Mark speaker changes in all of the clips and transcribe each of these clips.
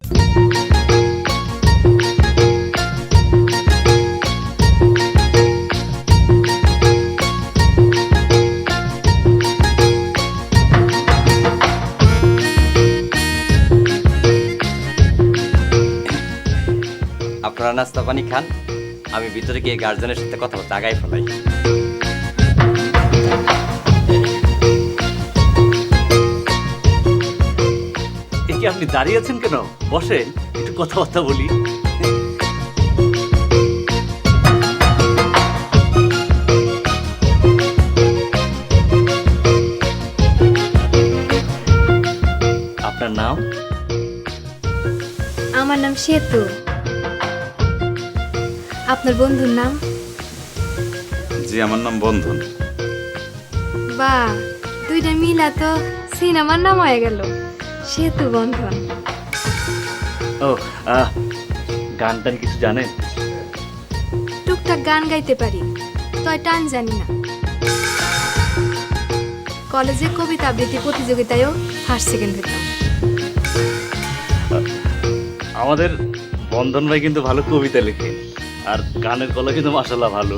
Speaker 1: আপনারা নাস্তা পানি খান, আমি ভিতরে গিয়ে গার্জেনের সাথে কথা বলতে আগাই ফেলাই।
Speaker 2: কি আপনি দাঁড়িয়ে আছেন কেন? বসেন, একটু কথাবার্তা বলি। আপনার নাম?
Speaker 3: আমার নাম সেতু। আপনার বন্ধুর নাম?
Speaker 4: জি, আমার নাম বন্ধন।
Speaker 3: বাহ, দুইটা মিলা তো সিনেমার নাম হয়ে গেল, সেতু বন্ধন।
Speaker 2: ও, গান টান কিছু জানেন?
Speaker 3: টুকটাক গান গাইতে পারি, তয় টান জানি না। কলেজে কবিতা আবৃত্তি প্রতিযোগিতায়ও ফার্স্ট সেকেন্ড হইতাম।
Speaker 2: আমাদের বন্ধন ভাই কিন্তু ভালো কবিতা লেখে, আর গানের গলা কিন্তু মাশাআল্লাহ ভালো।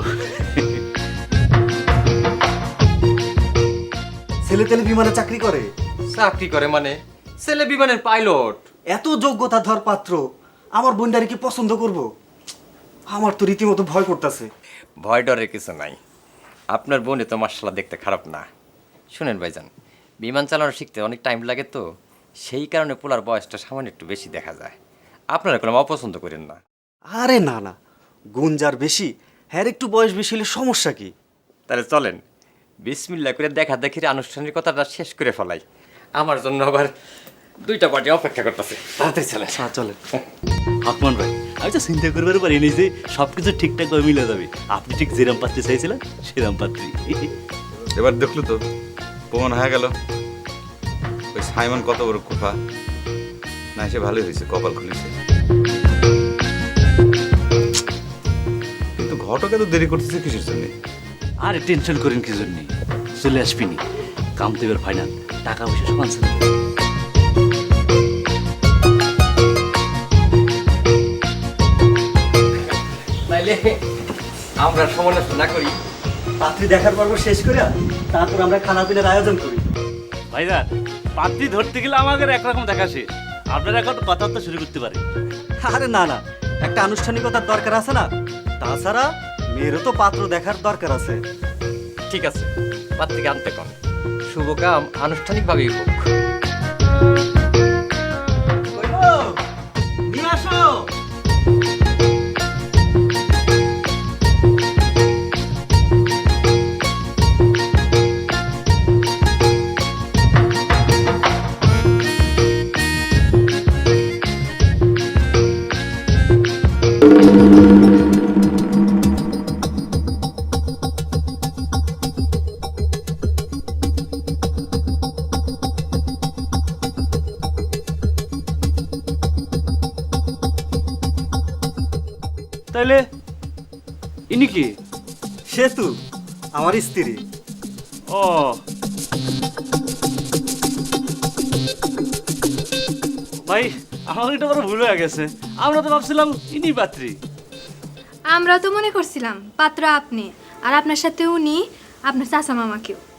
Speaker 5: ছেলে তেলে বিমানে চাকরি করে?
Speaker 1: চাকরি করে মানে? ছেলে বিমানের পাইলট।
Speaker 5: এত যোগ্যতা ধর পাত্র আমার বোনটারে কি পছন্দ করব? আমার তো রীতিমতো ভয় করতেছে।
Speaker 1: ভয় ডরের কিছু নাই, আপনার বোনে তো মাশাআল্লাহ দেখতে খারাপ না। শুনেন ভাইজান, বিমান চালানো শিখতে অনেক টাইম লাগে, তো সেই কারণে পোলার বয়সটা সামান্য একটু বেশি দেখা যায়। আপনারা কোনো অপছন্দ করেন না।
Speaker 5: আরে না না, গুণ যার বেশি, হ্যাঁ একটু বয়স বেশি হলে সমস্যা কি?
Speaker 1: তাহলে চলেন বিসমিল্লাহ করে দেখা দেখির আনুষ্ঠানিকতাটা শেষ করে ফেলাই। আমার জন্য আবার দুইটা পার্টি অপেক্ষা করতেছে, তাড়াতাড়ি চলে।
Speaker 5: চলেন।
Speaker 2: আকমান ভাই, আমি তো চিন্তা করবার পারিনি যে সবকিছু ঠিকঠাক ভাবে মিলে যাবে। আপনি ঠিক যেরাম পাত্রী চাইছিলেন সেরাম পাত্রী।
Speaker 4: এবার দেখলো তো, প্রমাণ হয়ে গেল ওই সাইমন কত বড় কুফা। না, সে ভালোই হয়েছে, কপাল খুলেছে। কিন্তু ঘটকে তো দেরি করতেছে কিসের জন্য?
Speaker 2: আরে টেনশন করেন কি জন্য, চলে আসবিনি। কাম তো এবার ফাইনাল, টাকা পয়সা সব আনসার।
Speaker 1: তাইলে আমরা সমালোচনা করি,
Speaker 5: পাত্রী দেখার পর্ব শেষ করে তারপর আমরা খানা পিনার আয়োজন করি।
Speaker 2: ভাইজান, পাত্রী ধরতে গেলে আমাদের একরকম দেখা শেষ, আপনারা এখন কথাবার্তা শুরু করতে পারেন।
Speaker 5: আরে না না, একটা আনুষ্ঠানিকতার দরকার আছে না? তাছাড়া মেয়েরও তো পাত্র দেখার দরকার আছে।
Speaker 1: ঠিক আছে, পাত্রীকে আনতে কন, শুভ কাম আনুষ্ঠানিকভাবেই হোক।
Speaker 5: নিয়ে আসো।
Speaker 2: তাইলে ইনি কি?
Speaker 5: সেতু আমার স্ত্রী।
Speaker 2: ও, ভাই আমার এটা বড় ভুল হয়ে গেছে, আমরা তো ভাবছিলাম ইনি পাত্রী।
Speaker 3: আমরাও তো মনে করছিলাম পাত্র আপনি, আর আপনার সাথে উনি আপনার চাচা মামাকেও।